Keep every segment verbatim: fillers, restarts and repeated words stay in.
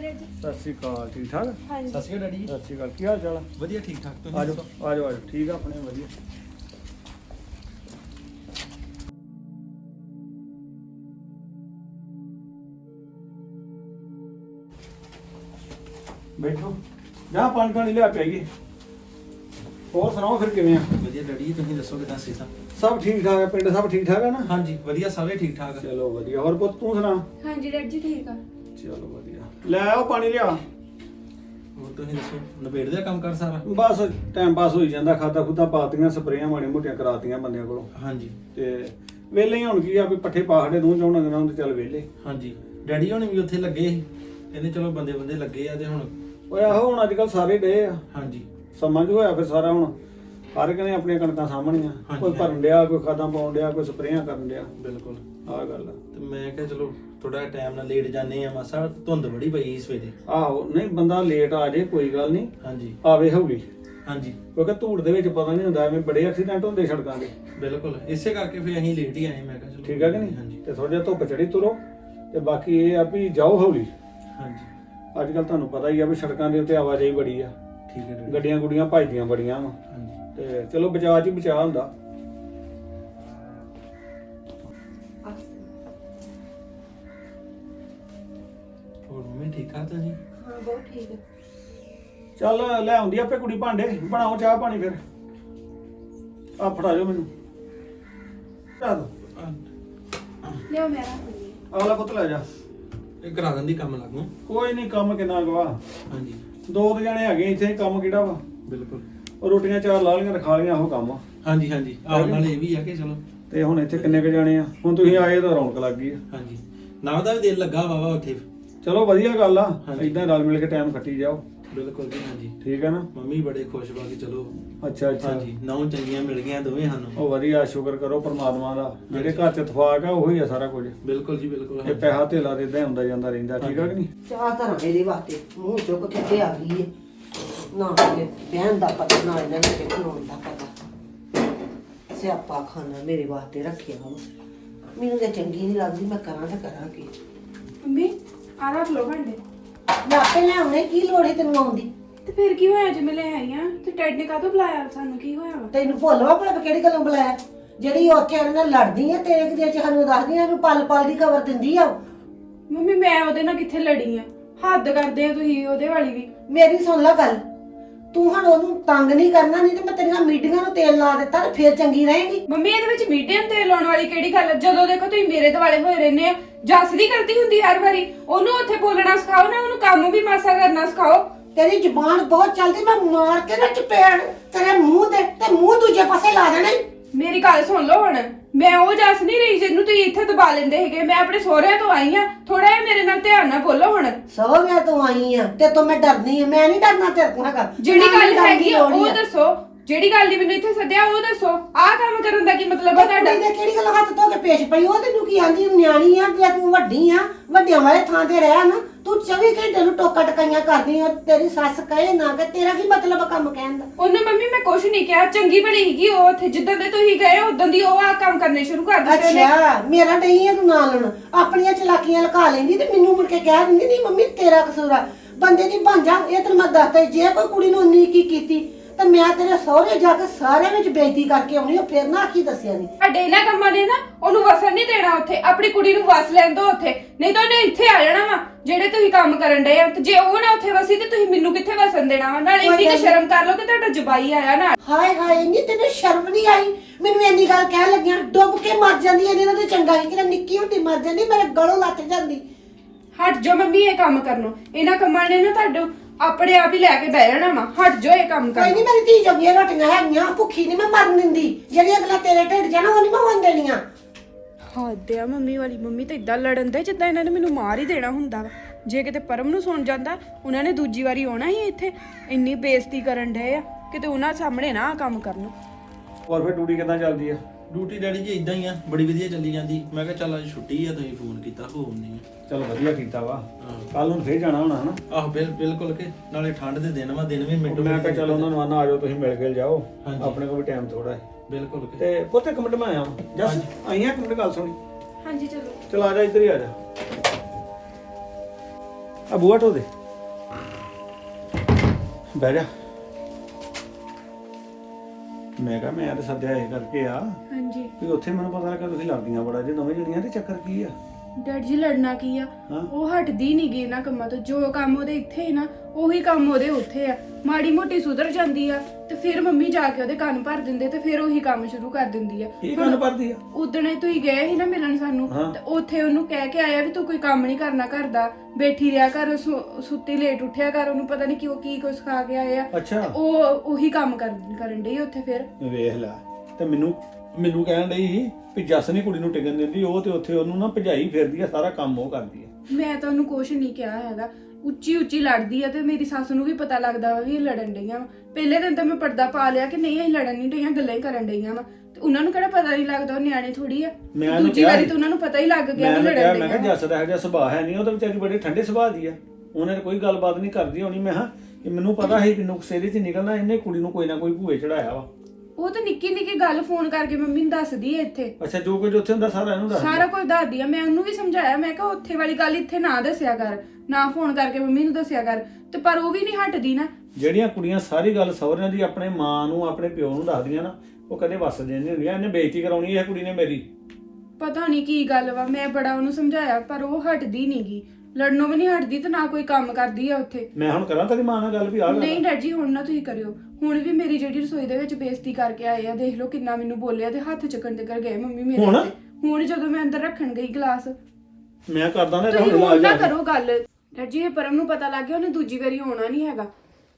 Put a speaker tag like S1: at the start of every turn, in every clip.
S1: Daddy ਜੀ।
S2: ਸਤਿ ਸ਼੍ਰੀ ਅਕਾਲ। ਠੀਕ ਠਾਕ?
S1: ਹਾਂਜੀ।
S3: ਸਤਿ ਸ਼੍ਰੀ ਅਕਾਲ ਡੈਡੀ ਜੀ।
S2: ਸਤਿ ਸ਼੍ਰੀ ਅਕਾਲ। ਕੀ ਹਾਲ ਚਾਲ ਆ?
S3: ਵਧੀਆ ਠੀਕ ਠਾਕ ਤੁਸੀਂ
S2: ਆਜੋ
S3: ਦੱਸੋ?
S2: ਆਜੋ ਆਜੋ। ਠੀਕ ਆ ਆਪਣੇ ਵਧੀਆ। ਬੈਠੋ। ਜਾ ਪਾਣੀ ਪਾਣੀ ਲਿਆ ਪਿਆਈਏ। ਹੋਰ ਸੁਣਾਓ ਫਿਰ ਕਿਵੇਂ ਆ?
S3: ਵਧੀਆ ਡੈਡੀ ਜੀ ਤੁਸੀਂ ਦੱਸੋ ਕਿਦਾਂ ਸਿਹਤਾਂ?
S2: ਸਭ ਠੀਕ ਠਾਕ ਆ? ਪਿੰਡ ਸਭ ਠੀਕ ਠਾਕ ਆ ਨਾ?
S3: ਹਾਂਜੀ ਵਧੀਆ ਸਾਰੇ ਠੀਕ ਠਾਕ ਆ।
S2: ਚਲੋ ਵਧੀਆ। ਹੋਰ ਪੁੱਤ ਤੂੰ ਸੁਣਾ?
S1: ਹਾਂਜੀ ਡੈਡੀ ਜੀ ਠੀਕ ਆ।
S2: ਚਲੋ ਵਧੀਆ। ਲੈ ਆਓ ਪਾਣੀ ਲਿਆ।
S3: ਹੋਰ ਤੁਸੀਂ ਦੱਸੋ ਨਿਬੇੜ ਦਿਆ ਕੰਮ ਕਰ ਸਾਰਾ?
S2: ਬਸ ਟਾਈਮ ਪਾਸ ਹੋਈ ਜਾਂਦਾ। ਖਾਦਾ ਖੁਦਾ ਪਾਤੀਆਂ, ਸਪਰੇਆਂ ਮਾੜੀਆਂ ਮੋਟੀਆਂ ਕਰਾਤੀਆਂ ਬੰਦਿਆਂ ਕੋਲੋਂ
S3: ਹਾਂਜੀ
S2: ਤੇ ਵੇਲੇ ਹੀ ਹੁਣ ਕੀ ਆ ਵੀ ਪੱਠੇ ਪਾਹੜੇ ਦੂੰ ਚਾਉਣਾ ਦਿਨਾਂ ਹੁੰਦੇ ਚੱਲ ਵੇਲੇ।
S3: ਹਾਂਜੀ ਡੈਡੀ ਹੁਣ ਵੀ ਉੱਥੇ ਲੱਗੇ ਸੀ ਕਹਿੰਦੇ ਚਲੋ ਬੰਦੇ ਬੰਦੇ ਲੱਗੇ ਆ ਤੇ ਹੁਣ
S2: ਓਏ ਆਹੋ ਹੁਣ ਅੱਜ ਕੱਲ ਸਾਰੇ ਡੇ ਆ
S3: ਹਾਂਜੀ
S2: ਸਮਾਂ ਜੋ ਹੋਇਆ ਫਿਰ ਸਾਰਾ ਹੁਣ ਹਰ ਇੱਕ ਨੇ ਆਪਣੀਆਂ ਕਣਕਾਂ ਸਾਂਭਣੀਆਂ।
S3: ਹਾਂਜੀ,
S2: ਕੋਈ ਭਰਨ ਡਿਆ, ਕੋਈ ਖਾਦਾਂ ਪਾਉਣ ਡਿਆ, ਕੋਈ ਸਪਰੇਆਂ ਕਰਨ ਡਿਆ।
S3: ਬਿਲਕੁਲ।
S2: ਆਹ ਗੱਲ ਆ।
S3: ਤੇ ਮੈਂ ਕਿਹਾ ਚਲੋ ਥੋੜਾ ਟਾਈਮ ਨਾਲ ਲੇਟ ਜਾਂਦੇ ਆ ਮਾਸਾ ਧੁੰਦ ਬੜੀ ਪਈ ਇਸ ਵੇਲੇ।
S2: ਆਹੋ ਨਹੀਂ ਬੰਦਾ ਲੇਟ ਆ ਜੇ ਕੋਈ ਗੱਲ ਨਹੀਂ,
S3: ਹਾਂਜੀ
S2: ਆਵੇ ਹੋਊਗੀ
S3: ਹਾਂਜੀ
S2: ਕਿਉਂਕਿ ਧੂੜ ਦੇ ਵਿੱਚ ਪਤਾ ਨਹੀਂ ਹੁੰਦਾ ਐਵੇਂ ਬੜੇ ਐਕਸੀਡੈਂਟ ਹੁੰਦੇ ਸੜਕਾਂ ਦੇ।
S3: ਬਿਲਕੁਲ ਇਸੇ ਕਰਕੇ ਫਿਰ ਅਸੀਂ ਲੇਟ ਹੀ ਆਏ। ਮੈਂ ਕਿਹਾ ਚਲੋ
S2: ਠੀਕ ਆ ਕਿ ਨਹੀਂ?
S3: ਹਾਂਜੀ
S2: ਤੇ ਥੋੜਾ ਜਿਹਾ ਧੁੱਪ ਚੜੀ ਤੁਰੋ ਤੇ ਬਾਕੀ ਇਹ ਆ ਵੀ ਜਾਓ ਹੌਲੀ।
S3: ਹਾਂਜੀ
S2: ਅੱਜ ਕੱਲ ਤੁਹਾਨੂੰ ਪਤਾ ਹੀ ਆ ਵੀ ਸੜਕਾਂ ਦੇ ਉੱਤੇ ਆਵਾਜਾਈ ਬੜੀ ਆ,
S3: ਠੀਕ ਹੈ ਡੈਡੀ।
S2: ਗੱਡੀਆਂ ਗੁੱਡੀਆਂ ਭੱਜਦੀਆਂ ਬੜੀਆਂ ਵਾ
S3: ਹਾਂਜੀ
S2: ਤੇ ਚਲੋ ਬਚਾਅ ਚ ਹੀ ਬਚਾਅ ਹੁੰਦਾ।
S3: ਹੋਰ ਮੰਮੀ ਠੀਕ ਠਾਕ ਤੁਸੀਂ?
S1: ਹਾਂ ਬਹੁਤ ਠੀਕ ਆ।
S2: ਚੱਲ ਲੈ ਆਉਂਦੀ ਆਪੇ ਕੁੜੀ ਭਾਂਡੇ। ਬਣਾਓ ਚਾਹ ਪਾਣੀ ਫਿਰ। ਆ ਫੜਾ ਜਾਓ ਮੈਨੂੰ। ਚੱਲ
S1: ਲਿਓ ਮੈਂ ਰੱਖ ਦਿੰਦੀ
S2: ਅਗਲਾ ਪੁੱਤ ਲੈ ਜਾ।
S3: ਇਹ ਕਰਾ ਦਿੰਦੀ ਕੰਮ ਲੱਗੂ।
S2: ਕੋਈ ਨਹੀਂ ਕੰਮ ਕਿੰਨਾ ਗਵਾ।
S3: ਹਾਂਜੀ
S2: ਦੋ ਕੁ ਜਣੇ ਹੈਗੇ ਇੱਥੇ, ਕੰਮ ਕਿਹੜਾ ਵਾ।
S3: ਬਿਲਕੁਲ।
S2: ਉਹ ਰੋਟੀਆਂ ਚਾਰ ਲਾ ਲੀਆਂ ਰਖਾ ਲੀਆਂ, ਉਹ ਕੰਮ ਆ।
S3: ਹਾਂਜੀ ਹਾਂਜੀ ਆਉਣ ਨਾਲ ਇਹ ਵੀ ਆ ਕਿ ਚਲੋ
S2: ਤੇ ਹੁਣ ਇੱਥੇ ਕਿੰਨੇ ਕੁ ਜਾਣੇ ਆ? ਹੁਣ ਤੁਸੀਂ ਆਏ ਤਾਂ ਰੌਣਕ ਲੱਗ ਗਈ ਆ।
S3: ਹਾਂਜੀ ਨਾ ਦਾ ਵੀ ਦਿਲ ਲੱਗਾ ਵਾਵਾ ਉੱਥੇ।
S2: ਚਲੋ ਵਧੀਆ ਗੱਲ ਆ।
S3: ਹਾਂਜੀ।
S2: ਇਦਾਂ ਰਲ ਮਿਲ ਕੇ ਟਾਈਮ ਕੱਟੀ ਜਾਓ।
S3: ਬਿਲਕੁਲ ਜੀ। ਹਾਂਜੀ
S2: ਠੀਕ ਹੈ ਨਾ?
S3: ਮੰਮੀ ਬੜੇ ਖੁਸ਼ ਵਾ ਕਿ ਚਲੋ
S2: ਅੱਛਾ ਅੱਛਾ।
S3: ਹਾਂਜੀ ਨੌ ਚੰਗੀਆਂ ਮਿਲ ਗਈਆਂ ਦੋਵੇਂ ਸਾਨੂੰ।
S2: ਉਹ ਵਧੀਆ, ਸ਼ੁਕਰ ਕਰੋ ਪਰਮਾਤਮਾ ਦਾ। ਜਿਹੜੇ ਘਰ ਚ ਇਤਫਾਕ ਆ ਉਹੀ ਆ ਸਾਰਾ ਕੁਝ।
S3: ਬਿਲਕੁਲ ਜੀ ਬਿਲਕੁਲ।
S2: ਇਹ ਪੈਸਾ ਧੇਲਾ ਤੇ ਇਦਾਂ ਹੁੰਦਾ ਜਾਂਦਾ ਰਹਿੰਦਾ। ਠੀਕ ਆ ਕਿ ਨਹੀਂ?
S4: ਚਾਹ ਧਰਾਂ ਇਹਦੇ ਵਾਸਤੇ ਮੂੰਹ ਚੁੱਕ ਕੇ ਤੇ ਆ ਗਈ ਏ। ਨਾ ਇਹ ਬਹਿਣ ਦਾ ਪਤਾ ਨਾ ਇਹਨਾਂ ਨੂੰ ਕਿ ਖਲੋਣ ਦਾ ਪਤਾ। ਸਿਆਪਾ ਖਾਨਾ ਮੇਰੇ ਵਾਸਤੇ ਰੱਖਿਆ ਵਾ। ਮੈਨੂੰ ਤਾਂ ਚੰਗੀ ਨਹੀਂ ਲੱਗਦੀ, ਮੈਂ ਕਰਾਂ ਤਾਂ ਕਰਾਂ ਕੀ।
S1: ਮੰਮੀ ਆ ਰੱਖ ਲਓ ਭਾਂਡੇ।
S4: ਮੈਂ ਆਪੇ ਲਿਆਉਣੇ, ਕੀ ਲੋੜ ਏ ਤੈਨੂੰ ਆਉਂਦੀ?
S1: ਤੇ ਫਿਰ ਕੀ ਹੋਇਆ ਜੇ ਮੈਂ ਲੈ ਆਈ ਆ ਤੇ ਡੈਡ ਨੇ ਕਾਹਤੋਂ ਬੁਲਾਇਆ ਸਾਨੂੰ? ਕੀ ਹੋਇਆ ਵਾ?
S4: ਤੈਨੂੰ ਭੁੱਲਵਾ ਭਲਾ ਕਿਹੜੀ ਗੱਲੋਂ ਬੁਲਾਇਆ? ਜਿਹੜੀ ਉੱਥੇ ਉਹਨਾਂ ਨਾਲ ਲੜਦੀ ਆ ਤੇਰੇ ਕਿਤੇ ਚ ਸਾਨੂੰ ਦੱਸਦੀ ਆ, ਨੂੰ ਪਲ ਪਲ ਦੀ ਖਬਰ ਦਿੰਦੀ ਆ।
S1: ਮੰਮੀ ਮੈਂ ਉਹਦੇ ਨਾਲ ਕਿੱਥੇ ਲੜੀ ਆ? ਹੱਦ ਕਰਦੇ ਆ ਤੁਸੀਂ ਉਹਦੇ ਵਾਲੀ ਵੀ।
S4: ਮੇਰੀ ਸੁਣ ਲੈ ਗੱਲ, ਤੂੰ ਹੁਣ ਉਹਨੂੰ ਤੰਗ ਨਹੀਂ ਕਰਨਾ, ਨਹੀਂ ਤੇ ਮੈਂ ਤੇਰੀਆਂ ਮੀਟਿੰਗਾਂ ਨੂੰ ਤੇਲ ਲਾ ਦਿੱਤਾ ਤੇ ਫੇਰ ਚੰਗੀ ਰਹੇਗੀ।
S1: ਮੰਮੀ ਇਹਦੇ ਵਿੱਚ ਮੀਡੀਅਮ ਤੇ ਲਾਉਣ ਵਾਲੀ ਕਿਹੜੀ ਗੱਲ ਆ? ਜਦੋਂ ਦੇਖੋ ਤੁਸੀਂ ਮੇਰੇ ਦੁਆਲੇ ਹੋਏ ਰਹਿੰਦੇ ਆ। ਜੱਸ ਦੀ ਕਰਦੀ ਹੁੰਦੀ ਹਰ ਵਾਰੀ। ਉਹਨੂੰ ਉੱਥੇ ਬੋਲਣਾ ਸਿਖਾਓ ਨਾ, ਉਹਨੂੰ ਕੰਮ ਵੀ ਮਾਸਾ ਕਰਨਾ ਸਿਖਾਓ।
S4: ਤੇਰੀ ਜ਼ੁਬਾਨ ਬਹੁਤ ਚੱਲਦੀ, ਮੈਂ ਮਾਰ ਕੇ ਨਾ ਚਪੇੜ ਤੇਰੇ ਮੂੰਹ ਤੇ ਤੇ ਮੂੰਹ ਦੂਜੇ ਪਾਸੇ ਲਾ ਦੇਣਾ ਈ।
S1: ਮੇਰੀ ਗੱਲ ਸੁਣ ਲਓ ਹੁਣ। ਮੈਂ ਉਹ ਜੱਸ ਨਹੀਂ ਰਹੀ ਜਿਹਨੂੰ ਤੁਸੀਂ ਇੱਥੇ ਦਬਾ ਲੈਂਦੇ ਹੈਗੇ। ਮੈਂ ਆਪਣੇ ਸਹੁਰਿਆਂ ਤੋਂ ਆਈ ਆ। ਥੋੜਾ ਜਿਹਾ ਮੇਰੇ ਨਾਲ ਧਿਆਨ ਨਾਲ ਬੋਲੋ ਹੁਣ।
S4: ਸਹੁਰਿਆਂ ਤੋਂ ਆਈ ਆ ਤੇ ਤੂੰ ਮੈਂ ਡਰਨੀ ਆ? ਮੈਂ ਨਹੀਂ ਡਰਨਾ ਤੇਰੇ ਕੋਲ ਹੈਗਾ।
S1: ਜਿਹੜੀ ਗੱਲ ਹੈਗੀ ਆ ਉਹ ਦੱਸੋ। ਜਿਹੜੀ ਗੱਲ ਦੀ ਮੈਨੂੰ ਇੱਥੇ ਸੱਦਿਆ ਉਹ ਦੱਸੋ। ਆਹ ਕੰਮ ਕਰਨ ਦਾ ਕੀ ਮਤਲਬ ਆ ਤੁਹਾਡਾ?
S4: ਕੁੜੀ ਨੇ ਕਿਹੜੀ ਗੱਲ ਹੱਥ ਧੋ ਕੇ ਪੇਸ਼ ਪਈ? ਉਹ ਤੈਨੂੰ ਕੀ ਆਂਦੀ? ਨਿਆਣੀ ਆ ਜਾਂ ਤੂੰ ਵੱਡੀ ਆ? ਵੱਡਿਆਂ ਵਾਲੇ ਥਾਂ ਤੇ ਰਹਿ ਨਾ। ਤੂੰ ਚੌਵੀ ਘੰਟੇ ਨੂੰ ਟੋਕਾ ਟਕਾਈਆਂ ਕਰਦੀ ਆ। ਤੇਰੀ ਸੱਸ ਕਹੇ ਨਾ ਕਿ ਤੇਰਾ ਕੀ ਮਤਲਬ ਆ ਕੰਮ ਕਹਿਣ ਦਾ?
S1: ਉਹਨੂੰ ਮੰਮੀ ਮੈਂ ਕੁਛ ਨਹੀਂ ਕਿਹਾ। ਚੰਗੀ ਭਲੀ ਸੀਗੀ ਉਹ। ਉੱਥੇ ਜਿੱਦਾਂ ਦੇ ਤੁਸੀਂ ਗਏ ਉਦੋਂ ਦੀ ਉਹ ਆ ਕੰਮ ਕਰਨੇ ਸ਼ੁਰੂ ਕਰ ਦਿੱਤੇ ਉਹਨੇ।
S4: ਅੱਛਾ ਮੇਰਾ ਨਹੀਂ ਇਹਨੂੰ ਨਾ ਲੈਣਾ। ਆਪਣੀਆਂ ਚਲਾਕੀਆਂ ਲੁਕਾ ਲੈਂਦੀ ਤੇ ਮੈਨੂੰ ਮੁੜ ਕੇ ਕਹਿ ਦਿੰਦੀ ਨਹੀਂ ਮੰਮੀ ਤੇਰਾ ਕਸੂਰ ਆ। ਬੰਦੇ ਦੀ ਬਣ ਜਾ। ਇਹ ਤੈਨੂੰ ਮੈਂ ਦੱਸਦਾ, ਜੇ ਕੋਈ ਕੁੜੀ ਨੂੰ ਉਨੀ ਕੀ ਕੀਤੀ ਤੇ ਮੈਂ ਤੇਰੇ ਸਹੁਰੇ ਜਾ ਕੇ ਸਾਰਿਆਂ ਵਿੱਚ ਬੇਇੱਜ਼ਤੀ ਕਰਕੇ ਆਉਣੀ। ਉਹ ਫਿਰ ਨਾ ਆਖੀ ਦੱਸਿਆ ਨਹੀਂ।
S1: ਸਾਡੇ ਇਹਨਾਂ ਕੰਮਾਂ ਨੇ ਨਾ ਉਹਨੂੰ ਵਸਣ ਨਹੀਂ ਦੇਣਾ ਉੱਥੇ। ਆਪਣੀ ਕੁੜੀ ਨੂੰ ਵਸ ਲੈਣ ਦਿਓ ਉੱਥੇ, ਨਹੀਂ ਤਾਂ ਉਹਨੇ ਇੱਥੇ ਆ ਜਾਣਾ ਵਾ ਜਿਹੜੇ ਤੁਸੀਂ ਕੰਮ ਕਰਨ ਡਏ ਆ। ਤੇ ਜੇ ਉਹ ਨਾ ਉੱਥੇ ਵਸੀ ਤੇ ਤੁਸੀਂ ਮੈਨੂੰ ਕਿੱਥੇ ਵਸਣ ਦੇਣਾ ਵਾ? ਨਾਲ ਇੰਨੀ ਕੁ ਸ਼ਰਮ ਕਰ ਲਓ ਕਿ ਤੁਹਾਡਾ ਜਵਾਈ ਆਇਆ ਨਾਲ।
S4: ਹਾਏ ਹਾਏ ਨਹੀਂ ਤੈਨੂੰ ਸ਼ਰਮ ਨਹੀਂ ਆਈ? ਮੈਨੂੰ ਇੰਨੀ ਗੱਲ ਕਹਿ ਲੱਗਿਆ ਡੁੱਬ ਕੇ ਮਰ ਜਾਂਦੀ। ਇਹਨਾਂ ਦੇ ਚੰਗਾ ਹੀ ਕਿ ਨਿੱਕੀ ਹੁੰਦੀ ਮਰ ਜਾਂਦੀ, ਮੇਰੇ ਗਲੋਂ ਲੱਥ ਜਾਂਦੀ।
S1: ਹਟ ਜੋ ਮੰਮੀ ਇਹ ਕੰਮ ਕਰਨੋਂ। ਇਹਨਾਂ ਕੰਮਾਂ ਨੇ ਨਾ ਤੁਹਾਨੂੰ ਆਪਣੇ ਆਪ ਹੀ ਲੈ ਕੇ ਬਹਿ ਜਾਣਾ ਵਾ। ਹਟ ਜੋ ਇਹ ਕੰਮ
S4: ਕੋਈ
S1: ਕਰ।
S4: ਨਹੀਂ ਮੇਰੀ ਧੀ ਜੋਗੀਆਂ ਰੋਟੀਆਂ ਹੈਗੀਆਂ, ਭੁੱਖੀ ਨਹੀਂ ਮੈਂ ਮਰਨ ਦਿੰਦੀ। ਜਿਹੜੀ ਅਗਲਾ ਤੇਰੇ ਢਿੱਡ ਜਾਣਾ ਉਹ ਨਹੀਂ ਮੈਂ ਹੋਣ ਦੇਣੀਆਂ।
S1: ਹੱਦ ਆ ਮੰਮੀ ਵਾਲੀ। ਮੰਮੀ ਤਾਂ ਇਦਾਂ ਲੜਨ ਦੇ ਜਿੱਦਾਂ ਇਹਨਾਂ ਨੇ ਮੈਨੂੰ ਮਾਰ ਹੀ ਦੇਣਾ ਹੁੰਦਾ ਵਾ। ਜੇ ਕਿਤੇ ਪਰਮ ਨੂੰ ਸੁਣ ਜਾਂਦਾ ਉਹਨਾਂ ਨੇ ਦੂਜੀ ਵਾਰੀ ਆਉਣਾ ਹੀ ਇੱਥੇ। ਇੰਨੀ ਬੇਇੱਜ਼ਤੀ ਕਰਨ ਡਏ ਆ ਕਿਤੇ ਉਹਨਾਂ ਸਾਹਮਣੇ ਨਾ ਆਹ ਕੰਮ ਕਰਨ।
S2: ਹੋਰ ਫਿਰ ਡਿਊਟੀ ਕਿੱਦਾਂ ਚੱਲਦੀ ਆ?
S3: ਡਿਊਟੀ ਡੈਡੀ ਜੀ ਇਦਾਂ ਹੀ ਆ, ਬੜੀ ਵਧੀਆ ਚੱਲੀ ਜਾਂਦੀ। ਮੈਂ ਕਿਹਾ ਚੱਲ ਅੱਜ ਛੁੱਟੀ ਆ, ਤੁਸੀਂ ਫੋਨ ਕੀਤਾ ਹੋ ਨਹੀਂ।
S2: ਚਲ ਵਧੀਆ ਕੀਤਾ ਵਾ।
S3: ਹਾਂ
S2: ਕੱਲ ਨੂੰ ਫੇਰ ਜਾਣਾ ਹੋਣਾ ਹਨਾ?
S3: ਆਹ ਬਿਲ ਬਿਲਕੁਲ ਕਿ ਨਾਲੇ ਠੰਡ ਦੇ ਦਿਨ ਵਾ, ਦਿਨ ਵੀ ਮਿੰਟੋ
S2: ਮੈਂ ਕਿਹਾ ਚੱਲ ਉਹਨਾਂ ਨੂੰ ਆਨਾ ਆ ਜਾਓ ਤੁਸੀਂ ਮਿਲ ਕੇ ਜਾਓ।
S3: ਹਾਂਜੀ।
S2: ਆਪਣੇ ਕੋਲ ਵੀ ਟਾਈਮ ਥੋੜਾ ਹੈ।
S3: ਬਿਲਕੁਲ ਕਿ
S2: ਤੇ ਪੁੱਤ ਇੱਕ ਮਿੰਟ ਮੈਂ ਆਇਆ ਜਸ ਆਈਆਂ ਇੱਕ ਮਿੰਟ ਗੱਲ ਸੁਣੀ।
S1: ਹਾਂਜੀ ਚਲੋ।
S2: ਚਲ ਆ ਜਾ ਇੱਧਰ ਹੀ ਆ ਜਾ। ਆ ਬੂਹਾ ਢੋ ਦੇ ਬਹਿ ਜਾ। ਮੈਂ ਕਿਹਾ ਮੈਂ ਤਾਂ ਸੱਦਿਆ ਇਹ ਕਰਕੇ ਆ
S1: ਹਾਂਜੀ
S2: ਵੀ ਉੱਥੇ ਮੈਨੂੰ ਪਤਾ ਲੱਗਾ ਤੁਸੀਂ ਲੜਦੀਆਂ ਬੜਾ ਜੇ ਦੋਵੇਂ ਜਣੀਆਂ ਤੇ ਚੱਕਰ ਕੀ ਆ?
S1: ਡੈਡ ਜੀ ਲੜਨਾ ਕੀ ਆ
S2: ਹਾਂ।
S1: ਉਹ ਹਟਦੀ ਨਹੀਂ ਗੀ ਇਹਨਾਂ ਕੰਮਾਂ ਤੋਂ। ਜੋ ਕੰਮ ਉਹਦੇ ਇੱਥੇ ਹੈ ਨਾ ਉਹੀ ਕੰਮ ਉਹਦੇ ਉੱਥੇ ਆ। ਮਾੜੀ ਮੋਟੀ ਸੁਧਰ ਜਾਂਦੀ ਆ ਤੇ ਫਿਰ ਮੰਮੀ ਜਾ ਕੇ ਉਹਦੇ ਕੰਨ ਭਰ ਦਿੰਦੇ ਤੇ ਫਿਰ ਉਹੀ ਕੰਮ ਸ਼ੁਰੂ ਕਰ ਦਿੰਦੀ ਆ।
S2: ਇਹ ਕੰਨ ਭਰਦੀ ਆ?
S1: ਉਦਣੇ ਤੁਸੀਂ ਗਏ ਸੀ ਨਾ ਮਿਲਣ ਸਾਨੂੰ
S2: ਹਾਂ।
S1: ਤੇ ਉੱਥੇ ਉਹਨੂੰ ਕਹਿ ਕੇ ਆਇਆ ਵੀ ਤੂੰ ਕੋਈ ਕੰਮ ਨਹੀਂ ਕਰਨਾ ਘਰ ਦਾ, ਬੈਠੀ ਰਿਹਾ ਕਰ, ਸੁ- ਸੁੱਤੀ ਲੇਟ ਉੱਠਿਆ ਕਰ। ਉਹਨੂੰ ਪਤਾ ਨਹੀਂ ਕਿਉਂ ਕੀ ਕੁਛ ਖਾ ਕੇ ਆਏ ਆ।
S2: ਅੱਛਾ
S1: ਉਹ ਉਹੀ ਕੰਮ ਕਰ ਕਰਨ ਡਈ ਉੱਥੇ ਫਿਰ।
S2: ਵੇਖ ਲੈ ਤੇ ਮੈਨੂੰ ਮੈਨੂੰ ਕਹਿਣ ਡਈ ਸੀ ਵੀ ਜੱਸ ਨਹੀਂ ਕੁੜੀ ਨੂੰ ਟਿਕਣ ਦਿੰਦੀ, ਉਹ ਤੇ ਉੱਥੇ ਉਹਨੂੰ ਨਾ ਭਜਾਈ ਫਿਰਦੀ ਆ, ਸਾਰਾ ਕੰਮ ਉਹ ਕਰਦੀ ਆ।
S1: ਮੈਂ ਤਾਂ ਉਹਨੂੰ ਕੁਛ ਨਹੀਂ ਕਿਹਾ ਹੈਗਾ। ਉੱਚੀ ਉੱਚੀ ਲੜਦੀ ਆ ਤੇ ਮੇਰੀ ਸੱਸ ਨੂੰ ਵੀ ਪਤਾ ਲੱਗਦਾ ਵਾ ਵੀ ਇਹ ਲੜਨ ਡਈਆਂ ਵਾ। ਪਹਿਲੇ ਦਿਨ ਤਾਂ ਮੈਂ ਪਰਦਾ ਪਾ ਲਿਆ ਕਿ ਨਹੀਂ ਅਸੀਂ ਲੜਨ ਨਹੀਂ ਡਈਆਂ, ਗੱਲਾਂ ਹੀ ਕਰਨ ਡਈਆਂ ਵਾ। ਤੇ ਉਹਨਾਂ ਨੂੰ ਕਿਹੜਾ ਪਤਾ ਨਹੀਂ ਲੱਗਦਾ, ਉਹ ਨਿਆਣੇ ਥੋੜੀ ਆ।
S2: ਮੈਂ ਉਹਨੂੰ
S1: ਦੂਜੀ
S2: ਕਿਹਾ
S1: ਵਾਰੀ
S2: ਸੀ-
S1: ਤਾਂ ਉਹਨਾਂ ਨੂੰ ਪਤਾ ਹੀ ਲੱਗ ਗਿਆ
S2: ਮੈਂ
S1: ਵੀ
S2: ਉਹਨੂੰ ਕਿਹਾ
S1: ਲੜਨ
S2: ਮੈਂ ਕਿਹਾ
S1: ਡਈਆਂ
S2: ਜੱਸ ਦਾ ਇਹੋ ਜਿਹਾ ਸੁਭਾਅ ਹੈ ਨਹੀਂ, ਉਹ ਤਾਂ ਵਿਚਾਰੀ ਬੜੇ ਠੰਡੇ ਸੁਭਾਅ ਦੀ ਆ, ਉਹਨੇ ਤਾਂ ਕੋਈ ਗੱਲਬਾਤ ਨਹੀਂ ਕਰਦੀ ਹੋਣੀ। ਮੈਂ ਹਾਂ ਕਿ ਮੈਨੂੰ ਪਤਾ ਸੀ ਕਿ ਨੁਕਸੇਰੇ 'ਚ ਨਿਕਲਣਾ, ਇਹਨੇ ਕੁੜੀ ਨੂੰ ਕੋਈ ਨਾ ਕੋਈ ਭੂਏ ਚੜਾਇਆ ਵਾ।
S1: ਉਹ ਤਾਂ ਨਿੱਕੀ ਨਿੱਕੀ ਗੱਲ ਫੋਨ ਕਰਕੇ ਮੰਮੀ ਨੂੰ ਦੱਸਦੀ ਐ ਇੱਥੇ।
S2: ਅੱਛਾ ਜੋ ਕੁਝ ਉੱਥੇ ਹੁੰਦਾ ਸਾਰਾ ਇਹਨੂੰ ਦੱਸ
S1: ਸਾਰਾ ਕੁਝ ਦੱਸਦੀ ਆ। ਮੈਂ ਉਹਨੂੰ ਵੀ ਸਮਝਾਇਆ, ਮੈਂ ਕਿਹਾ ਉੱਥੇ ਵਾਲੀ ਗੱਲ ਇੱਥੇ ਨਾ ਦੱਸਿਆ ਕਰ, ਨਾ ਫੋਨ ਕਰਕੇ ਮੰਮੀ ਨੂੰ ਦੱਸਿਆ ਕਰ। ਤੇ ਪਰ ਉਹ ਵੀ ਨਹੀਂ ਹਟਦੀ ਨਾ।
S2: ਜਿਹੜੀਆਂ ਕੁੜੀਆਂ ਸਾਰੀ ਗੱਲ ਸਹੁਰਿਆਂ ਦੀ ਆਪਣੇ ਮਾਂ ਨੂੰ ਆਪਣੇ ਪਿਓ ਨੂੰ ਦੱਸਦੀਆਂ ਨਾ, ਉਹ ਕਦੇ ਵੱਸਦੀਆਂ ਨਹੀਂ ਹੁੰਦੀਆਂ। ਇਹਨੇ ਬੇਇੱਜ਼ਤੀ ਕਰਾਉਣੀ ਇਹ ਕੁੜੀ ਨੇ ਮੇਰੀ।
S1: ਪਤਾ ਨਹੀਂ ਕੀ ਗੱਲ ਵਾ, ਮੈਂ ਬੜਾ ਉਹਨੂੰ ਸਮਝਾਇਆ ਪਰ ਉਹ ਹਟਦੀ ਨਹੀਂਗੀ। ਲੜਨੋਂ ਵੀ ਨਹੀਂ ਹਟਦੀ ਤੇ ਨਾ ਕੋਈ ਕੰਮ ਕਰਦੀ ਆ ਉੱਥੇ।
S2: ਮੈਂ ਹੁਣ ਕਰਾਂ ਤੇਰੀ ਮਾਂ ਨਾਲ ਗੱਲ ਵੀ ਆ ਗੱਲ
S1: ਨਹੀਂ ਡੈਡ ਜੀ ਹੁਣ ਨਾ ਤੁਸੀਂ ਕਰਿਓ। ਹੁਣ ਵੀ ਮੇਰੀ ਜਿਹੜੀ ਰਸੋਈ ਦੇ ਵਿੱਚ ਬੇਇੱਜ਼ਤੀ ਕਰਕੇ ਆਏ ਆ, ਦੇਖ ਲਓ ਕਿੰਨਾ ਮੈਨੂੰ ਬੋਲਿਆ ਤੇ ਹੱਥ ਚੱਕਣ ਤੇ ਕਰ ਗਏ ਮੰਮੀ ਮੇਰੇ
S2: ਹੁਣ?
S1: ਤੇ। ਹੁਣ ਜਦੋਂ ਮੈਂ ਅੰਦਰ ਰੱਖਣ ਗਈ ਗਲਾਸ,
S2: ਮੈਂ ਕਰਦਾ ਨਾ
S1: ਤੁਸੀਂ
S2: ਇਹਦਾ
S1: ਹੁਣ ਨਾ
S2: ਇਲਾਜ।
S1: ਕਰੋ ਗੱਲ। ਡੈਡ ਜੀ ਇਹ ਪਰਮ ਨੂੰ ਪਤਾ ਲੱਗ ਗਿਆ, ਉਹਨੇ ਦੂਜੀ ਵਾਰੀ ਆਉਣਾ ਨਹੀਂ ਹੈਗਾ।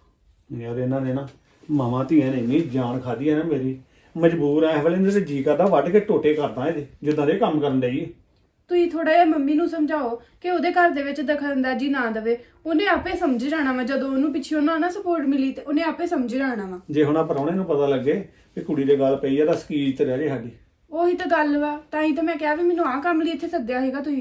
S2: ਯਾਰ ਇਹਨਾਂ ਨੇ ਨਾ ਮਾਵਾਂ ਧੀਆਂ ਨੇ ਇੰਨੀ ਜਾਨ ਖਾਦੀ ਹੈ ਨਾ ਮੇਰੀ। ਮਜਬੂਰ ਆ ਇਸ ਵੇਲੇ ਇਹਦੇ ਤੇ ਜੀ ਕਰਦਾ ਵੱਢ ਕੇ ਟੋਟੇ ਕਰਦਾ ਇਹਦੇ, ਜਿੱਦਾਂ ਦੇ ਕੰਮ ਕਰਨ ਡਈ ਏ।
S1: ਤੁਸੀਂ ਥੋੜਾ ਜਿਹਾ ਮੰਮੀ ਨੂੰ ਸਮਝਾਓ ਕਿ ਉਹਦੇ ਘਰ ਦੇ ਵਿੱਚ ਦਖਲਅੰਦਾਜ਼ੀ ਨਾ ਦੇਵੇ। ਉਹਨੇ ਆਪੇ ਸਮਝ ਜਾਣਾ ਵਾ। ਜਦੋਂ ਉਹਨੂੰ ਪਿੱਛੇ ਉਹਨਾਂ ਨਾ ਸਪੋਰਟ ਮਿਲੀ ਤੇ ਉਹਨੇ ਆਪੇ ਸਮਝ ਜਾਣਾ ਵਾ।
S2: ਜੇ ਹੁਣ ਆ ਪ੍ਰਾਹੁਣੇ ਨੂੰ ਪਤਾ ਲੱਗੇ ਵੀ ਕੁੜੀ ਦੇ ਗੱਲ ਪਈ ਆ ਤਾਂ ਸਕੀਜ਼ ਤੇ ਰਹਿ ਜੇ ਸਾਡੀ।
S1: ਉਹੀ ਤਾਂ ਗੱਲ ਵਾ। ਤਾਂ ਹੀ ਤਾਂ ਮੈਂ ਕਿਹਾ ਵੀ ਮੈਨੂੰ ਆਹ ਕੰਮ ਲਈ ਇੱਥੇ ਸੱਦਿਆ ਸੀਗਾ ਤੁਸੀਂ।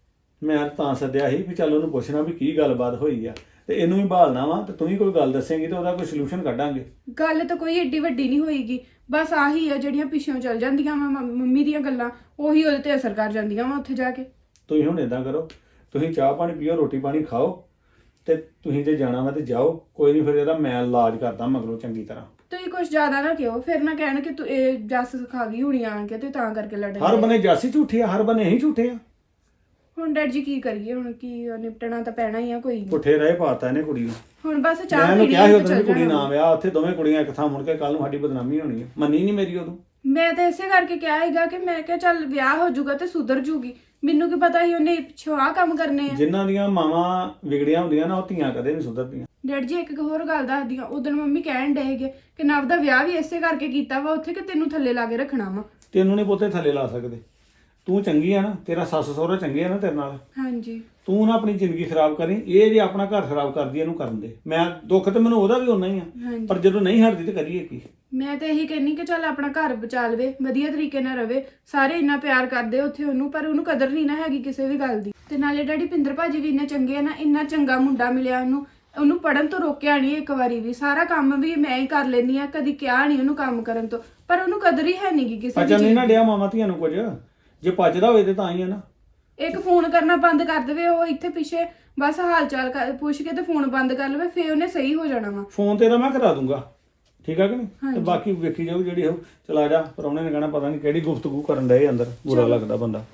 S2: ਮੈਂ ਤਾਂ ਸੱਦਿਆ ਸੀ ਵੀ ਚੱਲ ਉਹਨੂੰ ਪੁੱਛਣਾ ਵੀ ਕੀ ਗੱਲਬਾਤ ਹੋਈ ਆ, ਤੇ ਇਹਨੂੰ ਵੀ ਭਾਲਣਾ ਵਾ, ਤੇ ਤੂੰ ਵੀ ਕੋਈ ਗੱਲ ਦੱਸੇਂਗੀ ਤੇ ਉਹਦਾ ਕੋਈ ਸੋਲੂਸ਼ਨ ਕੱਢਾਂਗੇ।
S1: ਗੱਲ ਤਾਂ ਕੋਈ ਏਡੀ ਵੱਡੀ ਨਹੀਂ ਹੋਏਗੀ। ਬਸ ਆਹੀ ਆ ਜਿਹੜੀਆਂ ਪਿੱਛੋਂ ਚੱਲ ਜਾਂਦੀਆਂ ਵਾ ਮੰਮੀ ਦੀਆਂ ਗੱਲਾਂ, ਉਹੀ ਉਹਦੇ ਤੇ ਅਸਰ ਕਰ ਜਾਂਦੀਆਂ ਵਾ ਉੱਥੇ ਜਾ ਕੇ।
S2: ਤੁਸੀਂ ਹੁਣ ਏਦਾਂ ਕਰੋ, ਤੁਸੀਂ ਚਾਹ ਪਾਣੀ ਪੀਓ, ਰੋਟੀ ਪਾਣੀ ਖਾਓ, ਤੇ ਤੁਸੀਂ ਜੇ ਜਾਣਾ ਵਾ ਤੇ ਜਾਓ। ਕੋਈ ਨਹੀਂ ਫਿਰ ਇਹਦਾ ਮੈਂ ਇਲਾਜ ਕਰਦਾ ਮਗਰੋਂ ਚੰਗੀ ਤਰ੍ਹਾਂ।
S1: ਤੁਸੀਂ ਕੁਝ ਜ਼ਿਆਦਾ ਨਾ ਕਿਹੋ, ਫਿਰ ਨਾ ਕਹਿਣ ਕਿ ਤੂੰ ਇਹ ਜੱਸ ਖਾ ਗਈ ਹੋਣੀ ਆਣ ਕੇ ਤੇ ਤਾਂ ਕਰਕੇ ਲੜ
S2: ਹਰ ਬੰਨੇ ਜਾਸੀ ਝੂਠੀ ਆ, ਹਰ ਬੰਨੇ ਹੀ ਝੂਠੇ ਆ।
S1: ਹੁਣ ਡੈਡ ਜੀ ਕੀ ਕਰੀਏ? ਹੁਣ ਕੀ ਨਿਪਟਣਾ ਤਾਂ ਪੈਣਾ ਹੀ ਆ। ਕੋਈ ਨੀ।
S2: ਪੁੱਠੇ ਰਾਹ ਪਾਤਾ ਇਹਨੇ ਕੁੜੀ ਨੂੰ।
S1: ਹੁਣ ਬਸ
S2: ਮੈਂ
S1: ਚਾਹ
S2: ਇਹਨੂੰ
S1: ਪੀਣੀ
S2: ਕਿਹਾ ਸੀ
S1: ਆ
S2: ਉਦੋਂ
S1: ਤੇ
S2: ਵੀ
S1: ਚੱਲ
S2: ਕੁੜੀ ਨਾ
S1: ਜਾਣਾ।
S2: ਵਿਆਹ, ਉੱਥੇ ਦੋਵੇਂ ਕੁੜੀਆਂ ਇੱਕ ਥਾਂ ਮੁੜ ਕੇ ਕੱਲ ਨੂੰ ਸਾਡੀ ਬਦਨਾਮੀ ਹੋਣੀ ਹੈ। ਮੰਨੀ ਨਹੀਂ ਮੇਰੀ ਉਦੋਂ।
S1: ਮੈਂ ਤਾਂ ਇਸੇ ਕਰਕੇ ਕਿਹਾ ਹੈਗਾ ਕਿ ਮੈਂ ਕਿਹਾ ਚੱਲ ਵਿਆਹ ਹੋ ਜਾਊਗਾ ਤੇ ਸੁਧਰ ਜੂਗੀ। ਮੈਨੂੰ ਕੀ ਪਤਾ ਸੀ ਉਹਨੇ ਪਿੱਛੋਂ ਆਹ ਕੰਮ ਕਰਨੇ ਆ।
S2: ਜਿਨ੍ਹਾਂ ਦੀਆਂ ਮਾਵਾਂ ਵਿਗੜੀਆਂ ਹੁੰਦੀਆਂ ਨਾ, ਉਹ ਧੀਆਂ ਕਦੇ ਨਹੀਂ ਸੁਧਰਦੀਆਂ।
S1: ਡੈਡ ਜੀ ਇੱਕ ਹੋਰ ਗੱਲ ਦੱਸਦੀ ਆ। ਉਦੋਂ ਮੰਮੀ ਕਹਿਣ ਡਏ ਹੈਗੇ ਕਿ ਨਵ ਦਾ ਵਿਆਹ ਵੀ ਇਸੇ ਕਰਕੇ ਕੀਤਾ ਵਾ ਉੱਥੇ ਕਿ ਤੈਨੂੰ ਥੱਲੇ ਲਾ ਕੇ ਰੱਖਣਾ ਵਾ।
S2: ਤੈਨੂੰ ਨਹੀਂ ਪੋਤੇ ਥੱਲੇ ਲਾ ਸਕਦੇ। ਤੂੰ ਚੰਗੀ ਆ ਨਾ, ਤੇਰਾ ਸੱਸ ਸਹੁਰਾ ਚੰਗੇ ਆ ਨਾ ਤੇਰੇ ਨਾਲ।
S1: ਹਾਂਜੀ
S2: ਤੂੰ ਨਾ ਆਪਣੀ ਜ਼ਿੰਦਗੀ ਖਰਾਬ ਕਰੀ। ਇਹ ਜੇ ਆਪਣਾ ਘਰ ਖਰਾਬ ਕਰਦੀ ਇਹਨੂੰ ਕਰਨ ਦੇ। ਮੈਂ ਦੁੱਖ ਤੇ ਮੈਨੂੰ ਉਹਦਾ ਵੀ ਹੋਣਾ ਹੀ ਆ,
S1: ਹਾਂਜੀ।
S2: ਪਰ ਜਦੋਂ ਨਹੀਂ ਹਟਦੀ ਤੇ ਕਰੀਏ ਕੀ?
S1: ਮੈਂ ਤਾਂ ਇਹੀ ਕਹਿੰਨੀ ਕਿ ਚੱਲ ਆਪਣਾ ਘਰ ਬਚਾ ਲਵੇ, ਵਧੀਆ ਤਰੀਕੇ ਨਾਲ ਰਵੇ। ਸਾਰੇ ਇੰਨਾ ਪਿਆਰ ਕਰਦੇ ਉੱਥੇ ਉਹਨੂੰ, ਪਰ ਉਹਨੂੰ ਕਦਰ ਨਹੀਂ ਨਾ ਹੈਗੀ ਕਿਸੇ ਵੀ ਗੱਲ ਦੀ। ਤੇ ਨਾਲੇ ਡੈਡੀ ਪਿੰਦਰ ਭਾਜੀ ਵੀ ਇੰਨੇ ਚੰਗੇ ਆ ਨਾ, ਇੰਨਾ ਚੰਗਾ ਮੁੰਡਾ ਮਿਲਿਆ ਉਹਨੂੰ। ਉਹਨੂੰ ਪੜਨ ਤੋਂ ਰੋਕਿਆ ਨਹੀਂ ਇੱਕ ਵਾਰੀ ਵੀ। ਸਾਰਾ ਕੰਮ ਵੀ ਮੈਂ ਹੀ ਕਰ ਲੈਂਦੀ ਆ, ਕਦੀ ਕਿਹਾ ਨਹੀਂ ਉਹਨੂੰ ਕੰਮ ਕਰਨ ਤੋਂ। ਪਰ ਉਹਨੂੰ ਕਦਰ ਹੀ ਹੈ ਨਹੀਂਗੀ ਕਿਸੇ
S2: ਅੱਛਾ
S1: ਦੀ
S2: ਨਹੀਂ ਨਾ
S1: ਚੀਜ਼।
S2: ਡਿਆ ਮਾਵਾਂ ਧੀਆਂ ਨੂੰ ਕੁਝ, ਜੇ ਭੱਜਦਾ ਹੋਵੇ ਤੇ ਤਾਂ ਹੀ ਆ ਨਾ।
S1: ਇੱਕ ਫੋਨ ਕਰਨਾ ਬੰਦ ਕਰ ਦੇਵੇ ਉਹ ਇੱਥੇ ਪਿੱਛੇ, ਬਸ ਹਾਲ ਚਾਲ ਕਰ- ਪੁੱਛ ਕੇ ਤੇ ਫੋਨ ਬੰਦ ਕਰ ਲਵੇ, ਫੇਰ ਉਹਨੇ ਸਹੀ ਹੋ ਜਾਣਾ ਵਾ।
S2: ਫੋਨ ਤੇਰਾ ਮੈਂ ਕਰਾ ਦੂੰਗਾ, ਠੀਕ ਆ ਕਿ ਨਹੀਂ? ਤੇ
S1: ਹਾਂਜੀ।
S2: ਬਾਕੀ ਵੇਖੀ ਜਾਊ ਜਿਹੜੀ ਹੋਊ। ਚਲਾ ਜਾ, ਪ੍ਰਾਹੁਣੇ ਨੇ ਕਹਿਣਾ ਪਤਾ ਨਹੀਂ ਕਿਹੜੀ ਗੁਫ਼ਤਗੂ ਕਰਨ ਡਏ ਅੰਦਰ। ਬੁਰਾ ਲੱਗਦਾ ਬੰਦਾ।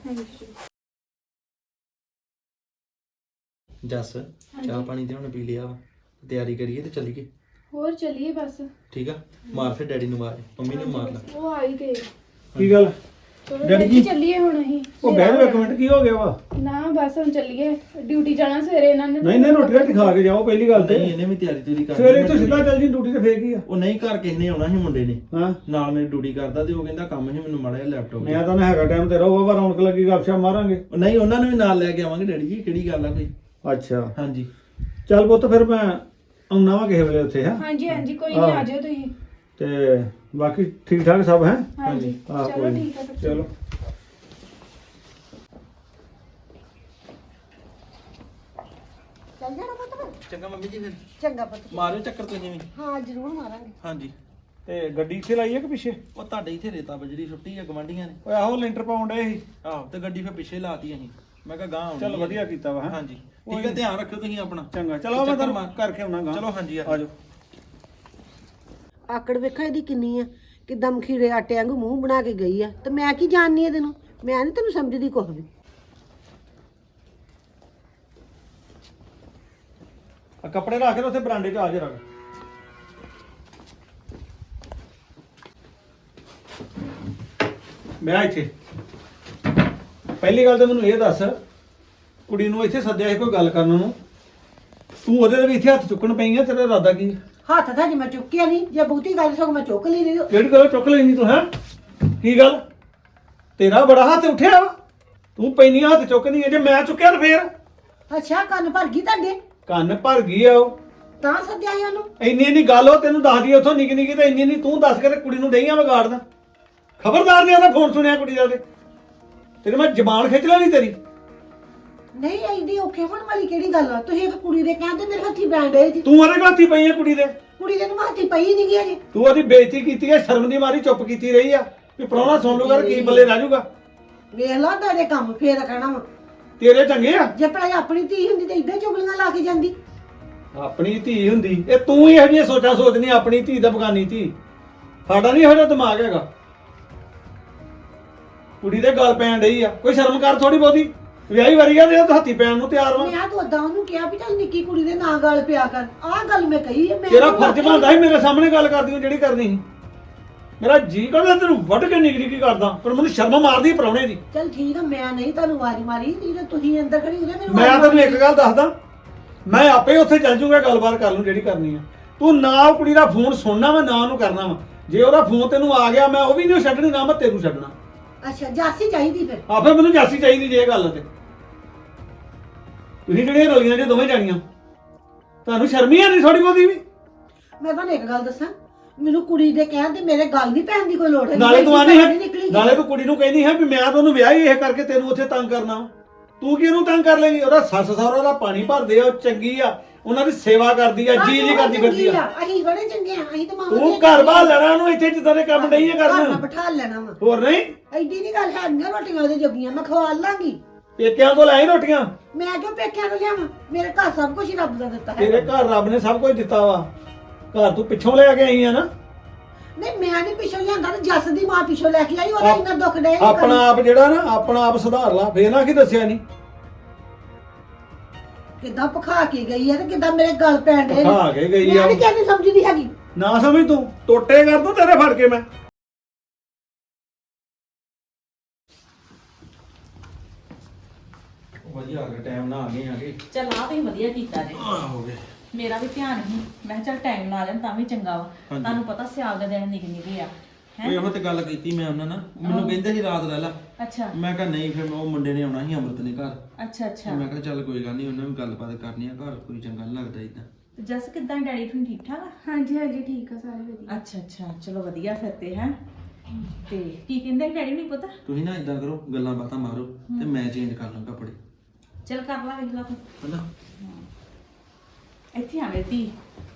S3: ਜੱਸ ਚਾਹ ਪਾਣੀ ਤੇ ਹੁਣ ਪੀ ਲਿਆ ਵਾ, ਤਿਆਰੀ ਕਰੀਏ ਤੇ ਚੱਲੀਏ।
S1: ਹੋਰ ਚੱਲੀਏ ਬਸ।
S3: ਠੀਕ ਆ, ਮਾਰ ਫਿਰ ਡੈਡੀ ਨੂੰ ਮਾਰ, ਮੰਮੀ ਨੂੰ ਮਾਰ ਲਾ।
S1: ਉਹ ਆ ਹੀ ਗਏ।
S2: ਕੀ ਗੱਲ?
S1: ਡੈਡੀ ਜੀ ਚੱਲੀਏ ਹੁਣ ਅਸੀਂ।
S2: ਉਹ ਬਹਿ ਜਾ ਇੱਕ ਮਿੰਟ, ਕੀ ਹੋ ਗਿਆ ਵਾ?
S1: ਨਾ ਬਸ ਹੁਣ ਚੱਲੀਏ, ਡਿਊਟੀ ਜਾਣਾ ਸਵੇਰੇ ਇਹਨਾਂ ਨੇ।
S2: ਨਹੀਂ ਨਹੀਂ, ਰੋਟੀ ਰਾਟੀ ਖਾ ਕੇ ਜਾਓ ਪਹਿਲੀ ਗੱਲ ਤੇ।
S3: ਨਹੀਂ ਇਹਨੇ ਵੀ ਤਿਆਰੀ ਤੁਰੀ ਕਰ
S2: ਸਵੇਰੇ ਤੂੰ ਸਿੱਧਾ ਚੱਲ ਜੀ ਡਿਊਟੀ ਤੇ, ਫੇਰ ਕੀ ਆ?
S3: ਉਹ ਨਹੀਂ ਘਰ ਕਿਸੇ ਨੇ ਆਉਣਾ ਸੀ ਮੁੰਡੇ ਨੇ,
S2: ਹਾਂ
S3: ਨਾਲ ਮੇਰੀ ਡਿਊਟੀ ਕਰਦਾ ਤੇ ਉਹ ਕਹਿੰਦਾ ਕੰਮ ਸੀ ਮੈਨੂੰ ਮਾੜਾ ਜਿਹਾ ਲੈਪਟਾਪ।
S2: ਮੈਂ ਤਾਂ ਨਾ ਹੈਗਾ ਟਾਈਮ ਤੇ ਰਹੋ, ਵਾ ਰੌਣਕ ਲੱਗੀ ਗੱਪਸ਼ਪ ਮਾਰਾਂਗੇ।
S3: ਉਹ ਨਹੀਂ ਉਹਨਾਂ ਨੂੰ ਵੀ ਨਾਲ ਲੈ ਕੇ ਆਵਾਂਗੇ ਡੈਡੀ ਜੀ, ਕਿਹੜੀ ਗੱਲ ਆ ਕੋਈ।
S2: ਅੱਛਾ
S3: ਹਾਂਜੀ
S2: ਚੱਲ ਪੁੱਤ, ਫਿਰ ਮੈਂ ਆਉਣਾ ਵਾ ਕਿਸੇ ਵੇਲੇ ਉੱਥੇ। ਹਾਂ
S1: ਹਾਂਜੀ ਹਾਂਜੀ ਕੋਈ ਨਹੀਂ, ਆ ਜਾਓ ਤੁਸੀਂ।
S2: ਤੇ ਬਾਕੀ ਠੀਕ ਠਾਕ ਸਭ ਹੈ?
S1: ਹਾਂਜੀ
S2: ਹਾਂ
S1: ਚਲੋ
S2: ਕੋਈ ਨੀ।
S1: ਠੀਕ ਹੈ ਫਿਰ।
S2: ਚਲੋ
S4: ਚੱਲ ਜਾਣਾ ਪੁੱਤ ਫਿਰ।
S3: ਚੰਗਾ ਮੰਮੀ ਜੀ, ਫਿਰ
S4: ਚੰਗਾ ਪੁੱਤ।
S3: ਮਾਰਿਓ ਚੱਕਰ ਤੁਸੀਂ ਵੀ।
S4: ਹਾਂ ਜ਼ਰੂਰ ਮਾਰਾਂਗੇ।
S3: ਹਾਂਜੀ
S2: ਤੇ ਗੱਡੀ ਇੱਥੇ ਲਾਈ ਹੈ ਕਿ ਪਿੱਛੇ?
S3: ਉਹ ਤੁਹਾਡੇ ਇੱਥੇ ਰੇਤਾ ਬਜਰੀ ਸੁੱਟੀ ਆ ਗਵਾਂਢੀਆਂ ਨੇ।
S2: ਓਏ ਆਹੋ ਲੈਂਟਰ ਪਾਉਣ ਡਏ ਸੀ।
S3: ਆਹੋ ਤੇ ਗੱਡੀ ਫਿਰ ਪਿੱਛੇ ਲਾਤੀ ਅਸੀਂ। ਮੈਂ ਕਿਹਾ ਗਾਂ ਆਉਣੀ
S2: ਚੱਲ
S3: ਆ।
S2: ਵਧੀਆ ਕੀਤਾ ਵਾ ਹੈਂ।
S3: ਹਾਂਜੀ ਠੀਕ ਹੈ, ਧਿਆਨ ਰੱਖਿਓ ਤੁਸੀਂ ਆਪਣਾ।
S2: ਚੰਗਾ ਚਲੋ ਮੈਂ
S3: ਚੱਕਰ
S2: ਤੁਹਾਨੂੰ
S3: ਮਾਰ-
S2: ਕਰਕੇ ਆਉਣਾ ਗਾ।
S3: ਚਲੋ ਹਾਂਜੀ,
S2: ਆ ਜਾਓ।
S4: ਆਕੜ ਵੇਖਾਂ ਇਹਦੀ ਕਿੰਨੀ ਆ, ਕਿਦਾਂ ਮਖੀਰੇ ਆਟੇ ਵਾਂਗੂ ਮੂੰਹ ਬਣਾ ਕੇ ਗਈ ਆ, ਤੇ ਮੈਂ ਕੀ ਜਾਣਨੀ ਇਹਦੇ ਨੂੰ, ਮੈਂ ਨਹੀਂ ਤੈਨੂੰ ਸਮਝਦੀ ਕੁਛ ਵੀ।
S2: ਆ ਕੱਪੜੇ ਰੱਖ ਕੇ ਤੇ ਉੱਥੇ ਬਰਾਂਡੇ 'ਚ ਆ ਜਾ ਰੱਖ। ਮੈਂ ਇੱਥੇ ਪਹਿਲੀ ਗੱਲ ਤਾਂ ਮੈਨੂੰ ਇਹ ਦੱਸ, ਕੁੜੀ ਨੂੰ ਇੱਥੇ ਸੱਦਿਆ ਸੀ ਕੋਈ ਗੱਲ ਕਰਨ ਨੂੰ, ਤੂੰ ਉਹਦੇ ਵੀ ਇੱਥੇ ਹੱਥ ਚੁੱਕਣ ਪਈ ਆ, ਤੇਰਾ ਇਰਾਦਾ ਕੀ?
S4: ਹੱਥ ਤਾਂ ਜੇ ਮੈਂ ਚੁੱਕਿਆ ਨਹੀਂ, ਜੇ ਬਹੁਤੀ ਗੱਲ ਸਗੋਂ ਮੈਂ ਚੁੱਕ ਲਈ ਨਹੀਂ।
S2: ਕਿਹੜੀ ਗੱਲ ਚੁੱਕ ਲੈਣੀ ਤੂੰ ਹੈ? ਕੀ ਗੱਲ ਤੇਰਾ ਬੜਾ ਹੱਥ ਉੱਠਿਆ ਵਾ, ਤੂੰ ਪੈਣੀ ਹੱਥ ਚੁੱਕਦੀ ਹੈ, ਜੇ ਮੈਂ ਚੁੱਕਿਆ ਤਾਂ ਫੇਰ
S4: ਅੱਛਾ ਕੰਨ ਭਰ ਗਈ ਤੁਹਾਡੇ,
S2: ਕੰਨ ਭਰ ਗਈ ਆ ਉਹ।
S4: ਤਾਂ ਸੱਦਿਆ ਸੀ ਉਹਨੂੰ।
S2: ਇੰਨੀ ਇੰਨੀ ਗੱਲ ਉਹ ਤੈਨੂੰ ਦੱਸਦੀ ਉੱਥੋਂ ਨਿੱਕੀ ਨਿੱਕੀ, ਤੇ ਇੰਨੀ ਇੰਨੀ ਤੂੰ ਦੱਸ ਕੇ ਤੇ ਕੁੜੀ ਨੂੰ ਡਈਆਂ ਵਿਗਾੜਦਾ। ਖਬਰਦਾਰ ਨੇ ਉਹਦਾ ਫੋਨ ਸੁਣਿਆ ਕੁੜੀ ਦਾ, ਤੇ ਤੇਰੇ ਮੈਂ ਜ਼ਬਾਨ ਖਿੱਚ ਲੈਣੀ ਤੇਰੀ।
S4: ਨਹੀਂ ਐਡੀ ਔਖੇ ਹੋਣ ਵਾਲੀ ਕਿਹੜੀ ਗੱਲ ਆ, ਤੁਸੀਂ ਇੱਕ ਕੁੜੀ ਦੇ ਕਹਿੰਦੇ ਮੇਰੇ ਹੱਥੀ ਬੈਂਡ ਹੈ ਜੀ,
S2: ਤੂੰ ਉਹਦੇ ਹੱਥੀ ਪਈ ਆ ਕੁੜੀ ਦੇ,
S4: ਕੁੜੀ ਦੇ ਨੂੰ ਹੱਥੀ ਪਈ ਨਹੀਂ ਗਿਆ ਜੀ।
S2: ਤੂੰ ਉਹਦੀ ਬੇਇੱਜ਼ਤੀ ਕੀਤੀ ਹੈ, ਸ਼ਰਮ ਦੀ ਮਾਰੀ ਚੁੱਪ ਕੀਤੀ ਰਹੀ ਆ ਵੀ ਪ੍ਰਾਹੁਣਾ ਸੁਣ ਲੂਗਾ ਕੀ ਬੱਲੇ ਰਹਿ ਜਾਊਗਾ।
S4: ਵੇਖ ਲਾ ਤੁਹਾਡੇ ਕੰਮ ਫੇਰ ਕਹਿਣਾ ਵਾ,
S2: ਤੇਰੇ ਚੰਗੇ ਆ।
S4: ਜੇ ਭਲਾ ਆਪਣੀ ਧੀ ਹੁੰਦੀ ਤੇ ਇਦਾਂ ਚੁਗਲੀਆਂ ਲਾ ਕੇ ਜਾਂਦੀ।
S2: ਆਪਣੀ ਧੀ ਹੁੰਦੀ, ਇਹ ਤੂੰ ਹੀ ਇਹੋ ਜਿਹੀਆਂ ਸੋਚਾਂ ਸੋਚਣੀ, ਆਪਣੀ ਧੀ ਦਾ ਬਗਾਨੀ ਧੀ। ਸਾਡਾ ਨਹੀਂ ਇਹੋ ਜਿਹਾ ਦਿਮਾਗ ਹੈਗਾ। ਕੁੜੀ ਦੇ ਗੱਲ ਪੈਣ ਡਈ ਆ, ਕੋਈ ਸ਼ਰਮ ਕਰ ਥੋੜੀ ਬਹੁਤੀ। ਵਿਆਹੀ ਵਾਰੀ ਆ ਤੇ ਤੂੰ ਹੱਥੀ ਪੈਣ ਨੂੰ ਤਿਆਰ ਵਾ।
S4: ਮੈਂ ਤਾਂ ਉਦਾਂ ਉਹਨੂੰ ਕਿਹਾ ਵੀ ਚੱਲ ਨਿੱਕੀ ਕੁੜੀ ਦੇ ਨਾਂ ਗੱਲ ਪਿਆ ਕਰ, ਆਹ ਗੱਲ ਮੈਂ ਕਹੀ ਹੈ। ਮੈਂ
S2: ਤੇਰਾ
S4: ਉਹਨੂੰ
S2: ਫਰਜ਼
S4: ਆਖਿਆ-
S2: ਬਣਦਾ ਸੀ ਮੇਰੇ ਸਾਹਮਣੇ ਗੱਲ ਕਰਦੀ ਉਹ ਜਿਹੜੀ ਕਰਨੀ ਸੀ। ਮੇਰਾ ਜੀ ਕਰਦਾ ਤੈਨੂੰ ਵੱਢ ਕੇ ਨਿਗਰੀ ਕੀ ਕਰਦਾ, ਪਰ ਮੈਨੂੰ ਸ਼ਰਮ ਮਾਰਦੀ ਪ੍ਰਾਹੁਣੇ ਦੀ।
S4: ਚੱਲ ਠੀਕ ਆ, ਮੈਂ ਨਹੀਂ ਤੁਹਾਨੂੰ ਵਾਰੀ ਮਾਰੀ, ਨਹੀਂ ਤਾਂ ਤੁਸੀਂ ਅੰਦਰ ਖੜੀ ਹੁੰਦੇ ਮੈਨੂੰ
S2: ਮੈਂ
S4: ਆਵਾਜ਼
S2: ਤੈਨੂੰ ਇੱਕ
S4: ਮਾਰੀ।
S2: ਗੱਲ ਦੱਸਦਾ, ਮੈਂ ਆਪੇ ਉੱਥੇ ਚੱਲ ਜੂਗਾ, ਗੱਲਬਾਤ ਕਰ ਲੂੰ ਜਿਹੜੀ ਕਰਨੀ ਆ। ਤੂੰ ਨਾ ਉਹ ਕੁੜੀ ਦਾ ਫੋਨ ਸੁਣਨਾ ਵਾ, ਨਾ ਉਹਨੂੰ ਕਰਨਾ ਵਾ। ਜੇ ਉਹਦਾ ਫੋਨ ਤੈਨੂੰ ਆ ਗਿਆ, ਮੈਂ ਉਹ ਵੀ ਨਹੀਂ ਛੱਡਣੀ, ਨਾ ਮੈਂ ਤੈਨੂੰ ਛੱਡਣਾ।
S4: ਅੱਛਾ ਜਾਸੀ ਚਾਹੀਦੀ ਫਿਰ।
S2: ਆਪੇ ਮੈਨੂੰ ਜਾਸੀ ਚਾਹੀਦੀ ਜੇ ਇਹ ਗੱਲ ਤੇ। ਤੁਸੀਂ ਜਿਹੜੀਆਂ ਰਲੀਆਂ ਜੇ ਦੋਵੇਂ ਜਾਣੀਆਂ, ਤੁਹਾਨੂੰ ਸ਼ਰਮ ਹੀ ਨਹੀਂ ਥੋੜੀ ਬਹੁਤੀ ਵੀ।
S4: ਮੈਂ ਤੁਹਾਨੂੰ ਇੱਕ ਗੱਲ ਦੱਸਾਂ, ਮੈਨੂੰ ਕੁੜੀ ਦੇ ਕਹਿਣ ਤੇ ਮੇਰੇ ਗੱਲ ਨਹੀਂ ਪੈਣ ਦੀ ਕੋਈ ਲੋੜ ਹੈ।
S2: ਨਾਲੇ ਤੂੰ ਆਨੀ ਹੈ,
S4: ਨਿਕਲੀ
S2: ਨਾਲੇ ਤੂੰ ਕੁੜੀ ਨੂੰ ਕਹਿੰਦੀ ਹੈ ਵੀ ਮੈਂ ਤਾਂ ਉਹਨੂੰ ਵਿਆਹ ਹੀ ਇਹ ਕਰਕੇ ਤੈਨੂੰ ਉੱਥੇ ਤੰਗ ਕਰਨਾ ਵਾ। ਤੂੰ ਕੀ ਉਹਨੂੰ ਤੰਗ ਕਰ ਲੇਗੀ? ਉਹਦਾ ਸੱਸ ਸਹੁਰਾ ਦਾ ਪਾਣੀ ਭਰਦੇ ਆ, ਉਹ ਚੰਗੀ ਆ, ਉਹਨਾਂ ਦੀ ਸੇਵਾ ਕਰਦੀ ਆ, ਜੀ ਜੀ ਕਰਦੀ ਫਿਰਦੀ ਆ।
S4: ਅਸੀਂ ਬੜੇ ਚੰਗੇ ਆ, ਅਸੀਂ ਤਾਂ ਮਾਂ
S2: ਤੂੰ ਘਰ ਬਾਹਰ ਲੈਣਾ ਉਹਨੂੰ, ਇੱਥੇ ਜਿੱਦਾਂ ਦੇ ਕੰਮ ਨਹੀਂ
S4: ਘਰ
S2: ਕਰਨ।
S4: ਨਾਲ ਬਿਠਾ ਲੈਣਾ ਵਾ।
S2: ਹੋਰ ਨਹੀਂ,
S4: ਐਡੀ ਨਹੀਂ ਗੱਲ ਹੈ, ਨਾ ਰੋਟੀਆਂ ਉਹਦੇ ਜੋਗੀਆਂ ਮੈਂ ਖਵਾ ਲਾਂਗੀ।
S2: ਪੇਕਿਆਂ ਤੋਂ ਲੈ ਰੋਟੀਆਂ।
S4: ਮੈਂ ਕਿਉਂ ਪੇਕਿਆਂ ਤੋਂ ਲਿਆਵਾਂ, ਮੇਰੇ ਘਰ ਸਭ ਕੁਝ ਹੀ ਰੱਬ ਦਾ ਦਿੱਤਾ ਹੈ।
S2: ਤੇਰੇ ਘਰ ਰੱਬ ਨੇ ਸਭ ਕੁਝ ਦਿੱਤਾ ਵਾ, ਘਰ ਤੂੰ ਪਿੱਛੋਂ ਲੈ ਕੇ ਆਈ ਆ ਨਾ।
S4: ਨਹੀਂ ਮੈਂ ਨਹੀਂ ਪਿੱਛੋਂ ਲਿਆਂਦਾ, ਤੇ ਜੱਸ ਦੀ ਮਾਂ ਪਿੱਛੋਂ ਲੈ ਕੇ ਆਈ, ਉਹਦਾ ਇੰਨਾ ਦੁੱਖ ਡੇ।
S2: ਆਪਣਾ ਆਪ ਜਿਹੜਾ ਨਾ, ਆਪਣਾ ਆਪ ਸੁਧਾਰ ਲਾ, ਫੇਰ ਨਾ ਕੀ ਦੱਸਿਆ ਨਹੀਂ।
S4: ਕਿੱਦਾਂ ਭਖਾ ਕੇ ਗਈ ਹੈ ਤੇ ਕਿੱਦਾਂ ਮੇਰੇ ਗੱਲ ਪੈਣ ਡੇ।
S2: ਭਖਾ ਕੇ ਗਈ ਆ।
S4: ਮੈਂ ਨਹੀਂ ਕਹਿੰਦੀ ਸਮਝਦੀ ਹੈਗੀ।
S2: ਨਾ ਸਮਝ ਤੂੰ, ਟੋਟੇ ਕਰ ਦੂੰ ਤੇਰੇ ਫੜ ਕੇ ਮੈਂ।
S3: ਵਧੀਆ ਆ ਗਿਆ, ਟਾਈਮ ਨਾਲ ਆ ਗਏ ਆ ਗਏ।
S5: ਚੱਲ ਆ ਤੁਸੀਂ ਵਧੀਆ ਕੀਤਾ ਜੀ।
S3: ਆ ਹੋ ਗਏ।
S5: ਮੇਰਾ ਵੀ ਧਿਆਨ ਸੀ, ਮੈਂ ਕਿਹਾ ਚੱਲ ਟਾਈਮ ਨਾਲ ਆ ਜਾਣ ਤਾਂ ਵੀ ਚੰਗਾ ਵਾ।
S3: ਹਾਂਜੀ।
S5: ਤੁਹਾਨੂੰ ਪਤਾ ਸਿਆਲ ਦੇ ਦਿਨ ਨਿਕ ਨਿਕੇ ਆ
S3: ਉਹ ਇਹੋ ਤੇ ਗੱਲ ਕੀਤੀ ਮੈਂ ਉਹਨਾਂ ਨਾਲ, ਮੈਨੂੰ ਕਹਿੰਦੇ ਸੀ ਰਾਤ ਰਹਿ ਲਾ।
S5: ਅੱਛਾ
S3: ਮੈਂ ਕਿਹਾ ਨਹੀਂ, ਫਿਰ ਉਹ ਮੁੰਡੇ ਨੇ ਆਉਣਾ ਸੀ ਅੰਮ੍ਰਿਤ ਨੇ ਘਰ।
S5: ਅੱਛਾ ਅੱਛਾ।
S3: ਮੈਂ ਕਿਹਾ ਚੱਲ ਕੋਈ ਗੱਲ ਨਹੀਂ, ਉਹਨਾਂ ਵੀ ਗੱਲਬਾਤ ਕਰਨੀ ਆ, ਘਰ ਕੋਈ ਚੰਗਾ ਨਹੀਂ ਲੱਗਦਾ ਇਦਾਂ।
S5: ਤੇ ਜਸ ਕਿਦਾਂ ਡੈਡੀ ਤੁਹਾਨੂੰ ਠੀਕ ਠਾਕ ਆ?
S1: ਹਾਂਜੀ ਹਾਂਜੀ ਠੀਕ ਆ ਸਾਰੇ ਵਧੀਆ।
S5: ਅੱਛਾ ਅੱਛਾ, ਚਲੋ ਵਧੀਆ ਫਿਰ ਤੇ ਹੈ। ਤੇ ਕੀ ਕਹਿੰਦੇ ਡੈਡੀ ਨਹੀਂ ਪਤਾ?
S3: ਤੁਸੀਂ ਨਾ ਇਦਾਂ ਕਰੋ, ਗੱਲਾਂ ਬਾਤਾਂ ਮਾਰੋ ਤੇ ਮੈਂ ਚੇਂਜ ਕਰ ਲਾਂ ਕੱਪੜੇ।
S5: ਚੱਲ ਕਰ ਲਾ ਵੇਖ ਲਾ ਤੂੰ।
S3: ਹਨਾ?
S5: ਇੱਥੇ ਆ ਮੇਰੀ ਧੀ,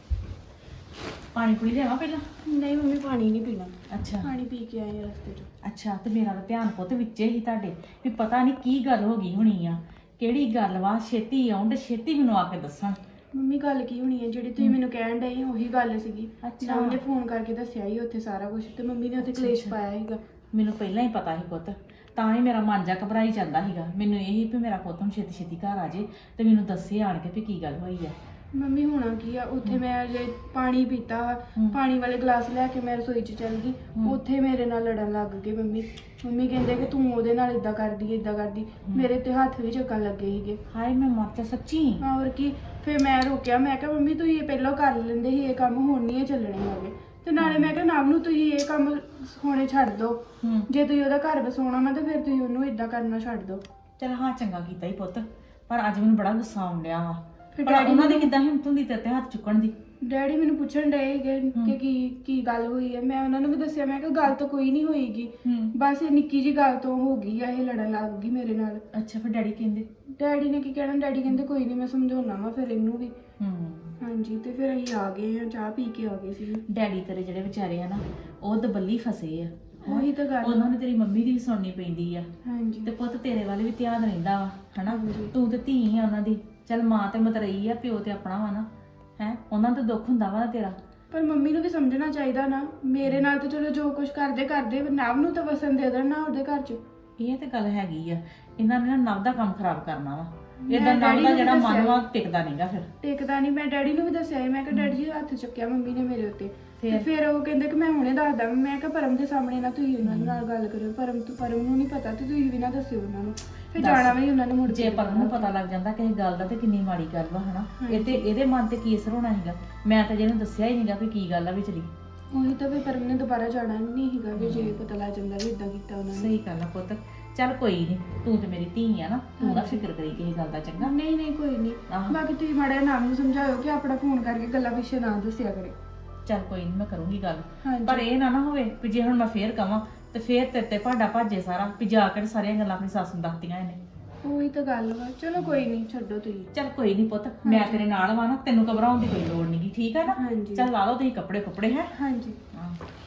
S5: ਪਾਣੀ ਪੂਣੀ ਲਿਆਵਾਂ ਪਹਿਲਾਂ?
S1: ਨਹੀਂ ਮੰਮੀ ਪਾਣੀ ਨਹੀਂ ਪੀਣਾ,
S5: ਅੱਛਾ
S1: ਪਾਣੀ ਪੀ ਕੇ ਆਏ ਆ ਰਸਤੇ ਤੋਂ।
S5: ਅੱਛਾ, ਤੇ ਮੇਰਾ ਤਾਂ ਧਿਆਨ ਪੁੱਤ ਵਿੱਚੇ ਹੀ ਤੁਹਾਡੇ ਵੀ ਪਤਾ ਨਹੀਂ ਕੀ ਗੱਲ ਹੋ ਗਈ ਹੋਣੀ ਆ, ਕਿਹੜੀ ਗੱਲ ਵਾ। ਛੇਤੀ ਆਉਣ ਤੇ ਛੇਤੀ ਮੈਨੂੰ ਆ ਕੇ ਦੱਸਣ।
S1: ਮੰਮੀ ਗੱਲ ਕੀ ਹੋਣੀ ਹੈ, ਜਿਹੜੀ ਤੁਸੀਂ ਮੈਨੂੰ ਕਹਿਣ ਡਏ ਉਹੀ ਗੱਲ ਸੀਗੀ।
S5: ਅੱਛਾ।
S1: ਨਾ ਉਹਨੇ ਫੋਨ ਕਰਕੇ ਦੱਸਿਆ ਹੀ ਉੱਥੇ ਸਾਰਾ ਕੁਝ, ਤੇ ਮੰਮੀ ਨੇ ਉੱਥੇ ਕਲੇਸ਼ ਪਾਇਆ ਸੀਗਾ।
S5: ਮੈਨੂੰ ਪਹਿਲਾਂ ਹੀ ਪਤਾ ਸੀ ਪੁੱਤ, ਤਾਂ ਹੀ ਮੇਰਾ ਮਨ ਜਾ ਘਬਰਾਈ ਜਾਂਦਾ ਸੀਗਾ। ਮੈਨੂੰ ਇਹ ਸੀ ਵੀ ਮੇਰਾ ਪੁੱਤ ਹੁਣ ਛੇਤੀ ਛੇਤੀ ਘਰ ਆ ਜੇ ਤੇ ਮੈਨੂੰ ਦੱਸੇ ਆਣ ਕੇ ਵੀ ਕੀ ਗੱਲ ਹੋਈ ਆ।
S1: ਮੰਮੀ ਹੋਣਾ ਕੀ ਆ, ਉੱਥੇ ਮੈਂ ਜੇ ਪਾਣੀ ਪੀਤਾ ਵਾ,
S5: ਹਮ।
S1: ਪਾਣੀ ਵਾਲੇ ਗਲਾਸ ਲੈ ਕੇ ਮੈਂ ਰਸੋਈ 'ਚ ਚੱਲ ਗਈ,
S5: ਹਮ।
S1: ਉੱਥੇ ਮੇਰੇ ਨਾਲ ਲੜਨ ਲੱਗ ਗਏ ਮੰਮੀ। ਮੰਮੀ ਕਹਿੰਦੇ ਕਿ ਤੂੰ ਉਹਦੇ ਨਾਲ ਇਦਾਂ ਕਰਦੀ ਇਦਾਂ ਕਰਦੀ, ਮੇਰੇ ਤੇ ਹੱਥ ਵੀ ਚੱਕਣ ਲੱਗੇ ਸੀਗੇ।
S5: ਹਾਏ ਮੈਂ ਮਰ ਜਾ ਸੱਚੀ।
S1: ਹਾਂ ਹੋਰ ਕੀ। ਫਿਰ ਮੈਂ ਰੋਕਿਆ, ਮੈਂ ਕਿਹਾ ਮੰਮੀ ਤੁਸੀਂ ਇਹ ਪਹਿਲਾਂ ਕਰ ਲੈਂਦੇ ਸੀ, ਇਹ ਕੰਮ ਹੁਣ ਨਹੀਂ ਇਹ ਚੱਲਣੇ ਹੈਗੇ। ਤੇ ਨਾਲੇ ਮੈਂ ਕਿਹਾ ਨਾਮ ਨੂੰ ਤੁਸੀਂ ਇਹ ਕੰਮ ਹੋਣੇ ਛੱਡ ਦਿਓ,
S5: ਹੂੰ
S1: ਜੇ ਤੁਸੀਂ ਉਹਦਾ ਘਰ ਵਸਾਉਣਾ ਵਾ ਤੇ ਫਿਰ ਤੁਸੀਂ ਉਹਨੂੰ ਇਦਾਂ ਕਰਨਾ ਛੱਡ ਦਿਓ।
S5: ਚਲ ਹਾਂ ਚੰਗਾ ਕੀਤਾ ਹੀ ਪੁੱਤ, ਪਰ ਅੱਜ ਮੈਨੂੰ ਬੜਾ ਗੁੱਸਾ ਆਉਣ ਡਿਆ ਵਾ।
S1: ਫਿਰ
S5: ਪਰ
S1: ਡੈਡੀ
S5: ਉਹਨਾਂ ਦੀ
S1: ਮੈਨੂੰ-
S5: ਕਿੱਦਾਂ ਹਿੰਮਤ ਹੁੰਦੀ ਤੇਰੇ ਤੇ ਹੱਥ ਚੁੱਕਣ ਦੀ?
S1: ਡੈਡੀ ਮੈਨੂੰ ਪੁੱਛਣ ਡਏ ਸੀਗੇ
S5: ਹਮ।
S1: ਕਿ ਕੀ ਕੀ ਗੱਲ ਹੋਈ ਹੈ। ਮੈਂ ਉਹਨਾਂ ਨੂੰ ਵੀ ਦੱਸਿਆ, ਮੈਂ ਕਿਹਾ ਗੱਲ ਤਾਂ ਕੋਈ ਨਹੀਂ ਹੋਈਗੀ,
S5: ਹੂੰ
S1: ਬਸ ਇਹ ਨਿੱਕੀ ਜੀ ਗੱਲ ਤੋਂ ਹੋ ਗਈ ਆ, ਇਹ ਲੜਨ ਲੱਗ ਗਈ ਮੇਰੇ ਨਾਲ।
S5: ਅੱਛਾ, ਫਿਰ ਡੈਡੀ ਕਹਿੰਦੇ?
S1: ਡੈਡੀ ਨੇ ਕੀ ਕਹਿਣਾ, ਡੈਡੀ ਕਹਿੰਦੇ ਕੋਈ ਨਹੀਂ ਮੈਂ ਸਮਝਾਉਣਾ ਵਾ ਫਿਰ ਇਹਨੂੰ ਵੀ।
S5: ਹੂੰ
S1: ਹਾਂਜੀ, ਤੇ ਫਿਰ ਅਸੀਂ ਆ ਗਏ ਆ, ਚਾਹ ਪੀ ਕੇ ਆ ਗਏ ਸੀ।
S5: ਡੈਡੀ ਤੇਰੇ ਜਿਹੜੇ ਵਿਚਾਰੇ ਆ ਨਾ, ਉਹ ਦਬੱਲੀ ਫਸੇ ਆ। ਹੈਂ।
S1: ਉਹੀ ਤਾਂ ਗੱਲ
S5: ਉਹਨਾਂ ਨੇ ਤੇਰੀ ਮੰਮੀ ਦੀ ਵੀ ਸੁਣਨੀ ਪੈਂਦੀ ਆ
S1: ਹਾਂਜੀ
S5: ਤੇ ਪੁੱਤ ਤੇਰੇ ਵੱਲ ਵੀ ਧਿਆਨ ਰਹਿੰਦਾ ਵਾ ਹਨਾ ਤੂੰ ਤੇ ਧੀ ਆ ਉਹਨਾਂ ਦੀ ਚੱਲ ਮਾਂ ਤੇ ਮਤਰਈ ਆ ਪਿਓ ਤੇ ਆਪਣਾ ਵਾ ਨਾ ਹੈ ਉਹਨਾਂ ਨੂੰ ਤਾਂ ਦੁੱਖ ਹੁੰਦਾ ਵਾ ਨਾ ਤੇਰਾ
S1: ਪਰ ਮੰਮੀ ਨੂੰ ਵੀ ਸਮਝਣਾ ਚਾਹੀਦਾ ਨਾ ਮੇਰੇ ਨਾਲ ਤਾਂ ਚਲੋ ਜੋ ਕੁਝ ਕਰਦੇ ਕਰਦੇ ਨਵ ਨੂੰ ਤਾਂ ਵਸਣ ਦੇ ਦੇਣਾ ਉਹਦੇ ਘਰ 'ਚ
S5: ਇਹ ਤੇ ਗੱਲ ਹੈਗੀ ਆ ਇਹਨਾਂ ਨੇ ਨਾ ਨਵ ਦਾ ਕੰਮ ਖਰਾਬ ਕਰਨਾ ਵਾ
S1: ਮੈਂ
S5: ਇਦਾਂ ਨਵ
S1: ਡੈਡੀ
S5: ਦਾ
S1: ਨੂੰ
S5: ਜਿਹੜਾ
S1: ਦੱਸਿਆ
S5: ਮਨ ਵਾ ਟਿਕਦਾ ਨਹੀਂਗਾ ਫਿਰ
S1: ਟਿਕਦਾ ਨਹੀਂ ਮੈਂ ਡੈਡੀ ਨੂੰ ਵੀ ਦੱਸਿਆ ਸੀ, ਮੈਂ ਕਿਹਾ ਡੈਡੀ ਜੀ ਹੱਥ ਚੁੱਕਿਆ ਮੰਮੀ ਨੇ ਮੇਰੇ ਉੱਤੇ ਤੇ
S5: ਫਿਰ?
S1: ਫਿਰ ਉਹ ਕਹਿੰਦੇ ਕਿ ਮੈਂ ਹੁਣੇ ਦੱਸਦਾ ਮੈਂ ਕਿਹਾ ਪਰਮ ਦੇ ਸਾਹਮਣੇ ਨਾ ਤੁਸੀਂ ਉਹਨਾਂ ਨਾਲ ਗੱਲ ਕਰਿਓ ਪਰਮ ਤੋਂ ਪਰਮ ਨੂੰ ਨਹੀਂ ਪਤਾ ਤੇ ਤੁਸੀਂ ਵੀ ਨਾ ਦੱਸਿਓ ਉਹਨਾਂ ਨੂੰ ਫਿਰ
S5: ਦੱਸ।
S1: ਜਾਣਾ ਵੀ ਨੀ ਉਹਨਾਂ ਨੇ ਮੁੜ
S5: ਜੇ
S1: ਕੇ
S5: ਪਰਮ ਨੂੰ ਪਤਾ ਲੱਗ ਜਾਂਦਾ ਕਿਸੇ ਗੱਲ ਦਾ ਤੇ ਕਿੰਨੀ ਮਾੜੀ ਗੱਲ ਵਾ ਹਨਾ ਇਹ ਤੇ ਇਹਦੇ ਮਨ ਤੇ ਕੀ ਅਸਰ ਹੋਣਾ ਸੀਗਾ ਮੈਂ ਤਾਂ ਜਿਹਨੂੰ ਦੱਸਿਆ ਹੀ ਨਹੀਂਗਾ ਵੀ ਕੀ ਗੱਲ ਆ ਵਿਚਲੀ
S1: ਉਹੀ ਤਾਂ ਫਿਰ ਪਰਮ ਨੇ ਦੁਬਾਰਾ ਜਾਣਾ ਨਹੀਂ ਸੀਗਾ ਵੀ ਜੇ ਪਤਾ ਲੱਗ ਜਾਂਦਾ ਵੀ ਇਦਾਂ ਕੀਤਾ ਉਹਨਾਂ ਨੇ
S5: ਸਹੀ ਗੱਲ ਆ ਪੁੱਤ ਚੱਲ ਕੋਈ ਨਹੀਂ ਤੂੰ ਤੇ ਮੇਰੀ ਧੀ ਆ ਨਾ ਤੂੰ ਨਾ ਫਿਕਰ ਕਰੀ ਕਿਸੇ ਗੱਲ ਦਾ ਚੰਗਾ
S1: ਨਹੀਂ ਨਹੀਂ ਕੋਈ ਨਹੀਂ
S5: ਆਹੋ।
S1: ਬਾਕੀ ਤੁਸੀਂ ਮਾੜਾ ਜਿਹਾ ਨਾਮ ਨੂੰ ਸਮਝਾਇਓ ਕਿ ਆਪਣਾ ਫੋਨ ਕਰਕੇ ਗੱਲਾਂ ਪਿੱਛੇ ਨਾ ਦੱਸਿਆ ਕਰੇ
S5: ਚੱਲ ਕੋਈ ਨਹੀਂ ਮੈਂ ਕਰੂੰਗੀ ਗੱਲ
S1: ਹਾਂਜੀ।
S5: ਪਰ ਇਹ ਨਾ ਨਾ ਹੋਵੇ ਵੀ ਜੇ ਹੁਣ ਮੈਂ ਫੇਰ ਕਵਾਂ ਤੇ ਫੇਰ ਤੇਰੇ ਤੇ ਭਾਂਡਾ ਭਾਜੇ ਸਾਰਾ ਵੀ ਜਾ ਕੇ ਸਾਰੀਆਂ ਗੱਲਾਂ ਆਪਣੀ ਸੱਸ ਨੂੰ ਦੱਸਤੀਆਂ ਇਹਨੇ
S1: ਉਹੀ ਤਾਂ ਗੱਲ ਵਾ ਚਲੋ ਕੋਈ ਨਹੀਂ ਛੱਡੋ ਤੁਸੀਂ
S5: ਚੱਲ ਕੋਈ ਨਹੀਂ ਪੁੱਤ ਮੈਂ ਤੇਰੇ ਨਾਲ ਵਾ ਨਾ ਤੈਨੂੰ ਘਬਰਾਉਣ ਦੀ ਕੋਈ ਲੋੜ ਨਹੀਂਗੀ ਠੀਕ ਆ ਨਾ
S1: ਹਾਂਜੀ।
S5: ਚੱਲ ਲਾ ਲਓ ਤੁਸੀਂ ਕੱਪੜੇ ਕੁੱਪੜੇ ਹੈ
S1: ਹਾਂਜੀ
S5: ਹਾਂ